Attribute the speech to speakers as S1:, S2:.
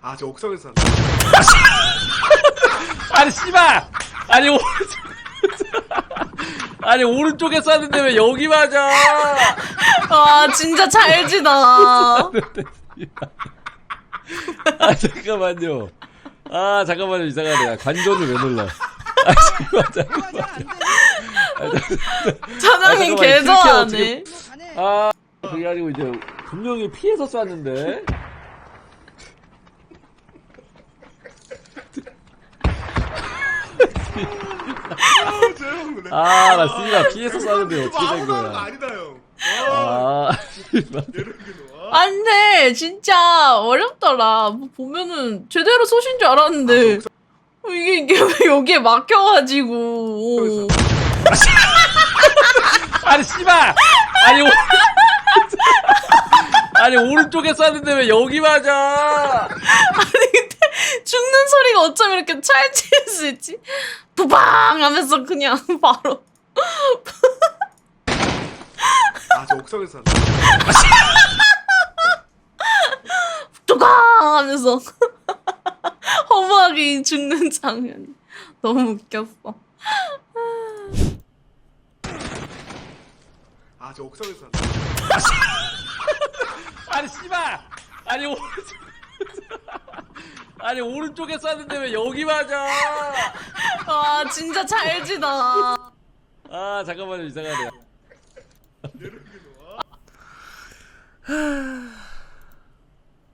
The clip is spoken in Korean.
S1: 아, 저 옥상에서 산다.
S2: 아니 씨발! 아니 오른쪽 아니 오른쪽에 쐈는데 왜 여기 맞아?
S3: 아 진짜 잘 지다.
S2: 아 잠깐만요. 아 잠깐만요, 이상하네. 관전을 왜 눌러? 아 잠깐만요.
S3: 사장님 개 좋아하네.
S2: 아 그게 아니고 이제 분명히 피해서 쐈는데. 아 나 씨발 피해서 쐈는데 어떻게 된
S1: 아무나
S2: 거야?
S1: 아니다, 형.
S2: 아 씨발.
S3: 안돼 진짜 어렵더라. 뭐 보면은 제대로 쏘신 줄 알았는데 이게 왜 여기에 막혀가지고.
S2: 아니 씨발! 아니 오른쪽에 쐈는데 왜 여기 맞아?
S3: 아니 근데 죽는 소리가 어쩜 이렇게 찰질 수 있지? 부방 하면서 그냥 바로.
S1: 아, 저 옥상에서 산다.
S3: 뚜강 하면서 허무하게 죽는 장면 너무 웃겼어.
S1: 아, 저 옥상에서 산다.
S2: 아니 씨발! 아니 오른쪽에 쐈는데 왜 여기 맞아?
S3: 아 진짜 잘 지다.
S2: 아 잠깐만요, 이상하네.